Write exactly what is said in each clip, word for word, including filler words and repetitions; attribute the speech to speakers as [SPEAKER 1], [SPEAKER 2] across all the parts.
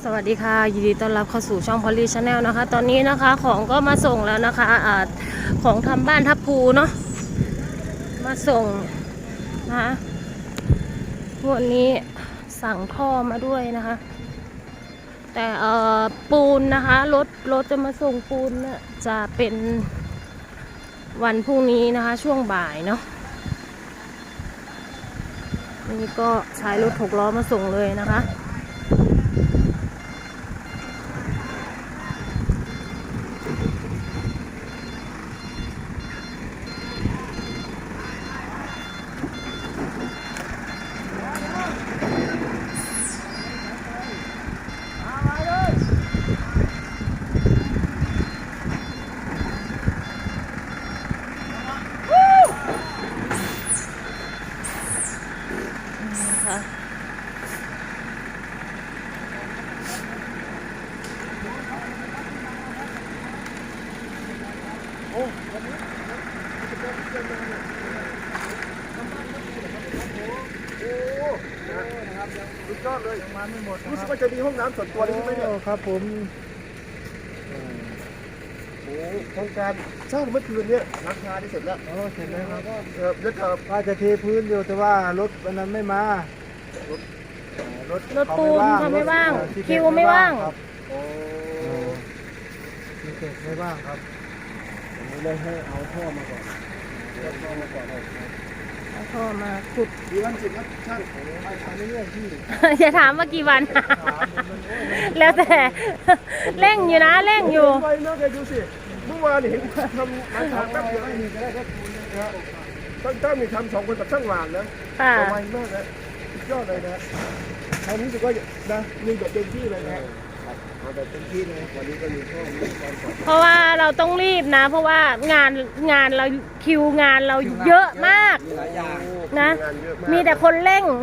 [SPEAKER 1] สวัสดีค่ะยินดีต้อนรับเข้าสู่ช่องพอลลี่ชาแนลนะคะตอนนี้นะคะของก็มาส่งแล้วนะคะอาของทำบ้านทับพูเนาะมาส่งนะคะวันนี้สั่งท่อมาด้วยนะคะแต่เอ่อปูนนะคะรถรถจะมาส่งปูนเนี่ยจะเป็นวันพรุ่งนี้นะคะช่วงบ่ายเนาะนี่ก็ใช้รถหกล้อมาส่งเลยนะคะ
[SPEAKER 2] โอ้วันนี้จะเป็นเจ้าหน้าที่โอ้นะครับสุดยอดเลยมาไม่หมดรู้สึกว่าจะมีห้องน้ำส่วนตัวเลยใช่ไหมเนี่ยครับผมโอ้โครงการสร้างเมื่อคืนเนี่ยราคาที่เสร็จแล้วอ๋อเสร็จแล้วครับเออแล้วก็
[SPEAKER 3] ว่าจะเทพื้นอยู่แต่ว่ารถวันนั้นไม่มาร
[SPEAKER 2] ถ
[SPEAKER 3] รถ
[SPEAKER 1] รถปูนเขาไม่ว่างคิวไม่ว่าง
[SPEAKER 2] โอ้
[SPEAKER 3] มีเศษไม่ว่างครับผมเลยให้เอาท่อมาก่อนเอาท่อมาก่อนเลย
[SPEAKER 1] เอาท่อมาขุด
[SPEAKER 2] ดีวันสิบครับช่างไปทำเรื่อยๆที่
[SPEAKER 1] อย่าถามว่ากี่วัน แล้วแต่เร่งอยู่นะเร่งอยู่
[SPEAKER 2] ไวมากเลยดูสิเมื่อวานเห็นทำมาทางแป๊บเดียวนี่ก็ได้แค่ปูนนะตั้งตั้งมีทำสองคนกับช่างหวานนะ
[SPEAKER 1] ค่ะ
[SPEAKER 2] ไวมากนะสุดยอดเลยนะคราวนี้รู้สึกว่านะมีแบบเต็มที่เลยนะเอาแบบเต็มที่เลยวันนี้ก็มีข้อมูลการสอบ
[SPEAKER 1] เพราะว่าเราต้องรีบนะ เพราะว่างานงานเราคิวงานเราเยอะมาก
[SPEAKER 3] มีหลายอย่าง
[SPEAKER 1] นะ
[SPEAKER 2] งานเยอะาก
[SPEAKER 1] มีแต่คนเร่ง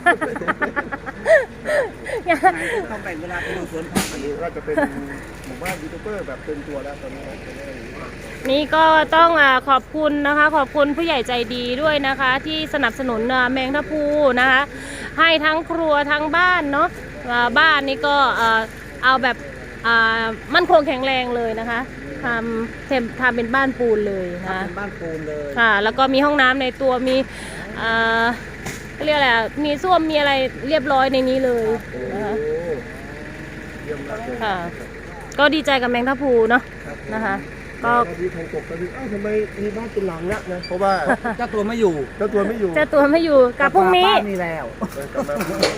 [SPEAKER 3] ต้องแบ่งเวลาไปดูสวนผัก
[SPEAKER 2] อันนี้ก็จะเป็นหมู่บ้านยูทูบเบอร์แบบเต็มตัวแล้วตอนนี้นะ
[SPEAKER 1] นี่ก็ต้องอ่าขอบคุณนะคะ ขอบคุณผู้ใหญ่ใจดีด้วยนะคะ ที่สนับสนุนอ่าแมงทับพลูนะคะ ให้ทั้งครัวทั้งบ้านเนาะอ่าบ้านนี่ก็อ่าเอาแบบอ่ามั่นคงแข็งแรงเลยนะคะทำเทมทำเป็นบ้านปูนเลยนะ
[SPEAKER 3] เป็นบ้านปูนเลย
[SPEAKER 1] ค่ะ แล้วก็มีห้องน้ำในตัวมีอ่าเรียกอะไรอ่ะมีส้วมมีอะไรเรียบร้อยในนี้เลยนะคะ
[SPEAKER 2] เยี่ยมมากเลย
[SPEAKER 1] ค่ะ ก็ดีใจกับแมงทับพลูเนาะนะคะก็
[SPEAKER 2] ก็ที่ทางกบก็คืออ้าวทำไมมีบ้านเป็นหลังละนะเพราะว่า
[SPEAKER 3] เจ้าตัวไม่อยู่
[SPEAKER 2] เจ้าตัวไม่อยู่
[SPEAKER 1] เจ้าตัวไม่อยู่กลับพรุ่งนี้
[SPEAKER 3] บ้านนี่แล้ว
[SPEAKER 2] กลับมาก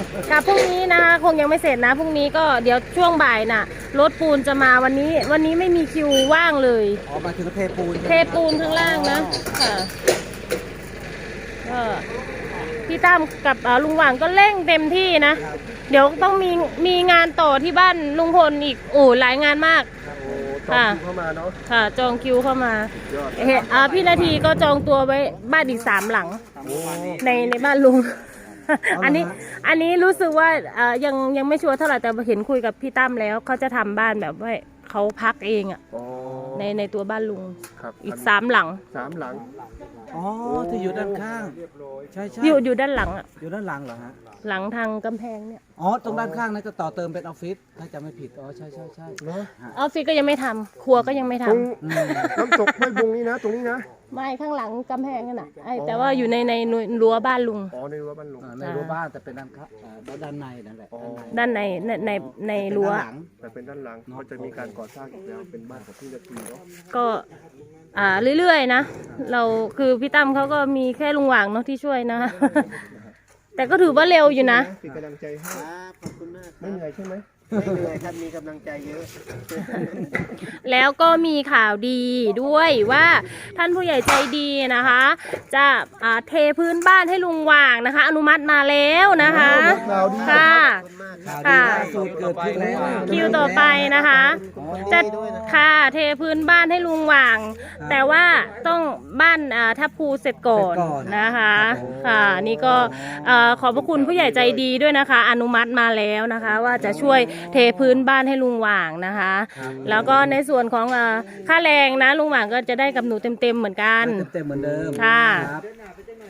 [SPEAKER 1] ลับพรุ่งนี้นะคะคงยังไม่เสร็จนะพรุ่งนี้ก็เดี๋ยวช่วงบ่ายน่ะรถปูนจะมาวันนี้ วันนี้ไม่มีคิวว่างเลย
[SPEAKER 3] ออกมาถึงเทปูน
[SPEAKER 1] เทปูนข้างล่างนะค่ะก็พี่ตั้มกับอ่าลุงหว่างก็เร่งเต็มที่นะ เดี๋ยวต้องมีมีงานต่อที่บ้านลุงพลอีกโอ้หลายงานมาก
[SPEAKER 2] โอ้ตอนที่เข้ามาเนาะ
[SPEAKER 1] ค่ะ จองคิวเข้ามา
[SPEAKER 2] ยอด
[SPEAKER 1] เห็นอ่าพี่นาทีก็จองตัวไว้บ้านอีกสามหลัง
[SPEAKER 2] โอ้
[SPEAKER 1] ในในบ้านลุง อันนี้อันนี้รู้สึกว่าเอ่อยังยังไม่ชัวร์เท่าไหร่แต่เห็นคุยกับพี่ตั้มแล้วเขาจะทำบ้านแบบว่าเขาพักเองอ่ะ
[SPEAKER 2] อ๋อ
[SPEAKER 1] ในในตัวบ้านลุง
[SPEAKER 2] ครับ
[SPEAKER 1] อีกสามหลัง
[SPEAKER 2] สามหลัง
[SPEAKER 3] อ๋อที่อยู่ด้านข้าง ใช่ใช่
[SPEAKER 1] อยู่อยู่ด้านหลังอ่ะ
[SPEAKER 3] อยู่ด้านหลังเหรอฮะ
[SPEAKER 1] หลังทางกำแพงเนี่ย
[SPEAKER 3] อ๋อตรงด้านข้างนั้นจะต่อเติมเป็นออฟฟิศถ้าจำไม่ผิดอ๋อใช่ใช่ใช่
[SPEAKER 2] เนาะ
[SPEAKER 1] ออฟฟิศก็ยังไม่ทำครัวก็ยังไม่
[SPEAKER 2] ต
[SPEAKER 1] ทำ
[SPEAKER 2] รงน้ำตกห้วยบงนี้นะ ตรงนี้นะ
[SPEAKER 1] ไม่ข้างหลังกำแพงนั่นน่ะไอ้แต่ว่าอยู่ในในรั้วบ้านลุง
[SPEAKER 2] อ๋อในรั้วบ้านลุง
[SPEAKER 3] อ่าในรั้วบ้านแต่เป็นด้านข้างอ่าด้านในนั่นแหละ
[SPEAKER 2] อ๋อ
[SPEAKER 3] ด้านใน
[SPEAKER 1] ด้านในในในใน
[SPEAKER 3] เป็น
[SPEAKER 1] รั้ว
[SPEAKER 3] ด้านหลัง
[SPEAKER 2] แต่เป็นด้านหลังเขาจะมีการก่อสร้างอีกแล้วเป็นบ้านของพี่นาทีเนาะ
[SPEAKER 1] ก็อ่าเรื่อยๆนะเราคือพี่ตั้มเขาก็มีแค่ลุงหว่างเนาะที่ช่วยนะ แต่ก็ถือว่าเร็วอยู่นะ
[SPEAKER 2] เป็นกำลังใจให้
[SPEAKER 3] ขอบคุณมาก
[SPEAKER 2] ไม่เหนื่อยใช่ไหม
[SPEAKER 3] ไม่เหนื่อยครับมีกำลังใจเยอะ
[SPEAKER 1] แล้วก็มีข่าวดีด้วยว่าท่านผู้ใหญ่ใจดีนะคะ จะอ่าเทพื้นบ้านให้ลุงหว่างนะคะ อนุมัติมาแล้วนะคะค่ะ
[SPEAKER 3] ข่าวดีล่าสุดเกิดขึ้นแล้ว
[SPEAKER 1] คิวต่อไปนะคะ จะค่ะเทพื้นบ้านให้ลุงหว่าง แต่ว่าต้องบ้านอ่าทับภูเสร็จก่อนนะคะค่ะนี่ก็อ่าขอบพระคุณผู้ใหญ่ใจดีด้วยนะคะ อนุมัติมาแล้วนะคะ ว่าจะช่วยเทพื้นบ้านให้ลุงหว่างนะคะ แล้วก็ในส่วนของอ่าค่าแรงนะลุงหว่างก็จะได้กับหนูเต็มๆเหมือนกัน
[SPEAKER 3] เต็มๆเหมือนเดิม
[SPEAKER 1] ค่ะ
[SPEAKER 3] รับ
[SPEAKER 2] ขอบ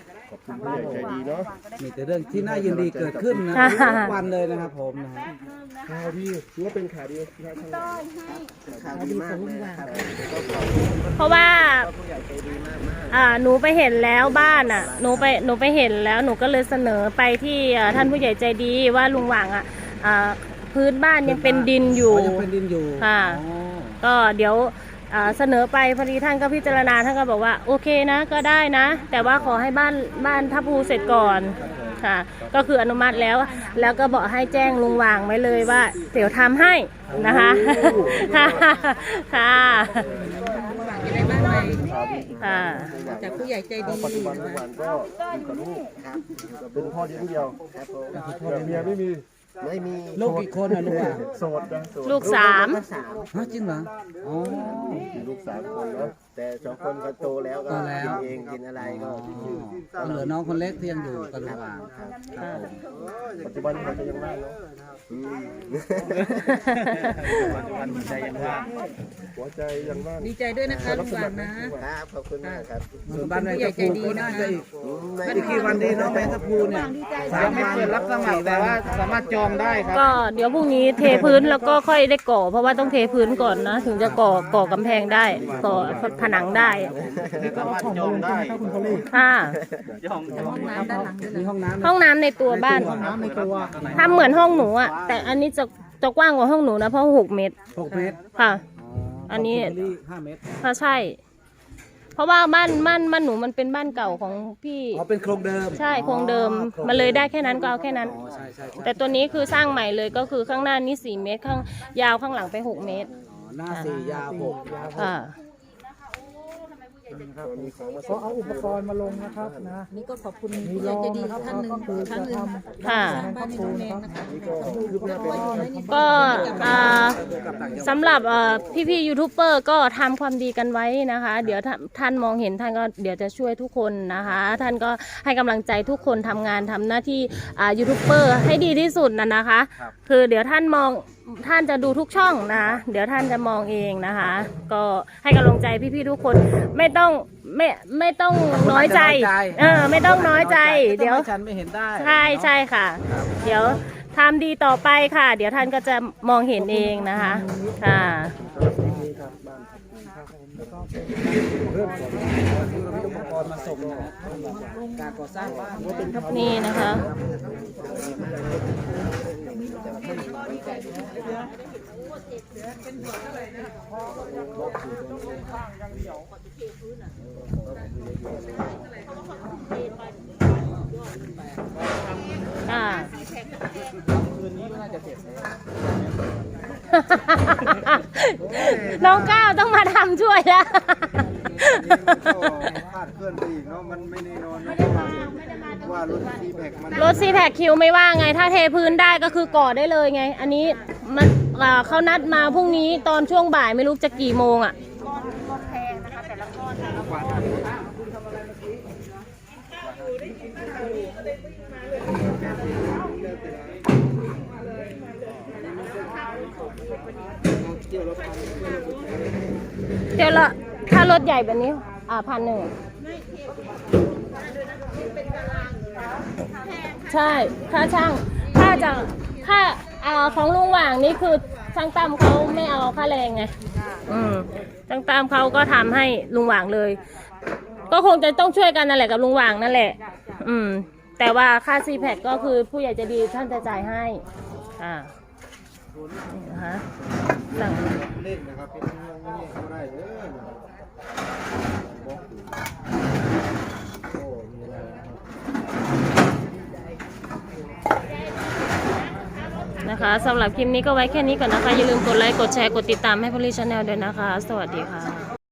[SPEAKER 2] คุณผู้ใหญ่ใจดีเนาะ
[SPEAKER 3] มีแต่เรื่องที่น่ายินดีเกิดขึ้นนะ
[SPEAKER 1] ค่ะ
[SPEAKER 3] ทุกวันเลยนะครับผมนะฮะ
[SPEAKER 2] ข่าวดีถือว่าเป็นข่าวดีนะท่านข่าวดีมากเลยครับ
[SPEAKER 1] เพราะว่า
[SPEAKER 2] ผู้ใหญ่ใจดีมากมาก
[SPEAKER 1] อ่าหนูไปเห็นแล้วบ้านอ่ะหนูไปหนูไปเห็นแล้วหนูก็เลยเสนอไปที่อ่าท่านผู้ใหญ่ใจดีว่าลุงหว่างอ่ะอ่าพื้นบ้านยังเป็นดินอยู่
[SPEAKER 3] อ๋อยังเป็นดินอยู่
[SPEAKER 1] ค่ะ
[SPEAKER 3] อ๋อ
[SPEAKER 1] ก็เดี๋ยวอ่าเสนอไปพอดีท่านก็พิจารณาท่านก็บอกว่าโอเคนะก็ได้นะ แต่ว่าขอให้บ้านบ้านทับภูเสร็จก่อนค่ะ ก็คืออนุมัติแล้ว แล้วก็บอกให้แจ้งลุงหว่างไว้เลยว่า เดี๋ยวทำให้นะคะค่ะค่ะ
[SPEAKER 4] อะไรบ้างไหม
[SPEAKER 2] ข่าวดี
[SPEAKER 1] ค่ะ
[SPEAKER 4] จากผู้ใหญ่ใจดี
[SPEAKER 2] ปัจจุบันทุกวันก็อยู่กับลูกครับอยู่กับเป็นพ่อเลี้ยงเดียวครับผมแต่เมียไม่มีไม่มี
[SPEAKER 3] ลูกกี่คนนะลูกอ่ะ
[SPEAKER 2] โสดนะโสด
[SPEAKER 1] ลูกสาม
[SPEAKER 3] ฮะจริงเหรออ๋อ
[SPEAKER 2] มีลูกสามคนเนาะแต่สองคนก็โตแล้วก็
[SPEAKER 3] โตแล้ว
[SPEAKER 2] กินเองกินอะไรก็
[SPEAKER 3] ก็เหลือน้องคนเล็กที่ยังอยู่กับลุงหว่าง
[SPEAKER 2] ครับ
[SPEAKER 3] ครับผม
[SPEAKER 2] ปัจจุบันเราจะยังว่างเนาะอืมปัจจุบันหัวใจยังว่างหัวใจยังว่าง
[SPEAKER 4] ดีใจด้วยนะคะลุงหวานนะครับ
[SPEAKER 2] ขอบคุณมากครับ
[SPEAKER 3] ส่วนบ้านแมงตะพูก็น่าจะอีกอีกกี่วันดีเนาะแมงตะพูเนี่ยสามวันรับสมัครแต่ว่าสามารถจองได้ครับ
[SPEAKER 1] ก็เดี๋ยวพรุ่งนี้เทพื้นแล้วก็ค่อยได้ก่อ เพราะว่าต้องเทพื้นก่อนนะ ถึงจะก่อก่อกำแพงได้ก่อผนังได้
[SPEAKER 2] สามารถจองได้
[SPEAKER 1] ค่ะ
[SPEAKER 4] ห้องน้ำด้านหลังด้วย
[SPEAKER 3] มี
[SPEAKER 4] นะ
[SPEAKER 3] ห้องน้ำ
[SPEAKER 1] ห้องน้ำในตัวบ้าน
[SPEAKER 3] ห้องน้ำในตัว
[SPEAKER 1] ทำเหมือนห้องหนูอ่ะแต่อันนี้จะจะกว้างกว่าห้องหนูนะเพราะหกเมตร
[SPEAKER 3] หกเมตร
[SPEAKER 1] ค่ะ
[SPEAKER 3] อ๋อ
[SPEAKER 1] อันนี้
[SPEAKER 3] ของคุณลี่ห้าเมตร
[SPEAKER 1] ถ้าใช่ เพราะว่าบ้านบ้านบ้านหนูมันเป็นบ้านเก่าของพี่
[SPEAKER 3] อ๋อเป็นโครงเดิม
[SPEAKER 1] ใช่โครงเดิม
[SPEAKER 3] อ๋อ
[SPEAKER 1] มันเลยได้แค่นั้นก็เอาแค่นั้น
[SPEAKER 3] อ๋อใช่ใช่ใช่
[SPEAKER 1] แต่ตัวนี้คือสร้างใหม่เลยก็คือข้างหน้านี่สี่เมตรข้างยาวข้างหลังไปหกเมตร
[SPEAKER 3] อ๋อหน้าสี่ยาวหก
[SPEAKER 1] ค่ะ
[SPEAKER 5] ก็เอาอุปกรณ์มาลงนะครับนะ
[SPEAKER 4] นี่ก็ขอบคุณผู้ใหญ่ใจดีท่านหนึ่งครั้งหนึ่ง
[SPEAKER 1] ค่ะ
[SPEAKER 4] สร้างบ้านให้น้องแมงนะคะเพราะว่าอยู่ในนี้
[SPEAKER 1] ก็อ่าสำหรับเอ่อพี่ๆยูทูบเบอร์ก็ทำความดีกันไว้นะคะ เดี๋ยวท่านท่านมองเห็นท่านก็เดี๋ยวจะช่วยทุกคนนะคะ ท่านก็ให้กำลังใจทุกคนทำงานทำหน้าที่อ่ายูทูบเบอร์ให้ดีที่สุดนะนะคะ คือเดี๋ยวท่านมองท่านจะดูทุกช่องนะ เดี๋ยวท่านจะมองเองนะคะ ก็ให้กำลังใจพี่ๆทุกคนไม่ต้องไม่ไม่ต้องน้อยใจเออไม่ต้องน้อยใจเดี๋ยว
[SPEAKER 3] ฉันไม่เห็นได้
[SPEAKER 1] ใช่ใช่ค่ะ เดี๋ยวทำดีต่อไปค่ะ เดี๋ยวท่านก็จะมองเห็นเองนะคะ ค่ะ
[SPEAKER 3] เรื่องของที่เรามีอุปกรณ์มาส่งนะฮะการก่อสร้างบ้าน
[SPEAKER 1] นี่นะคะ ค่ะ น้องก้าวต้องมาทำช่วยแล้ว
[SPEAKER 2] คาดเคลื่อนไปอีกเนาะมันไม่แน่นอนนะว่ารถซีแพคมัน
[SPEAKER 1] รถซีแพคคิวไม่ว่าไง ถ้าเทพื้นได้ก็คือก่อได้เลยไง อันนี้มันอ่าเขานัดมาพรุ่งนี้ตอนช่วงบ่ายไม่รู้จะกี่โมงอ่ะ เดี๋ยวละถ้ารถใหญ่แบบนี้ อ่าพันหนึ่งใช่ค่าช่างค่าจะค่าอ่าของลุงหว่างนี่คือช่างตั้มเขาไม่เอาค่าแรงไงอืมช่างตั้มเขาก็ทำให้ลุงหว่างเลย ก็คงจะต้องช่วยกันนั่นแหละกับลุงหว่างนั่นแหละ อืม แต่ว่าค่าซีแพคก็คือผู้ใหญ่ใจะดีท่านจะจ่ายให้อ่านี่นะคะสั่ง
[SPEAKER 2] เล่นนะครับเป็นเรื่องนี้ก็ได้เด้อบอกอยู่โอ้มีอะไร
[SPEAKER 1] นะคะสำหรับคลิปนี้ก็ไว้แค่นี้ก่อนนะคะ อย่าลืมกดไลค์ กดแชร์ กดติดตามให้พลิชแนลด้วยนะคะ สวัสดีค่ะ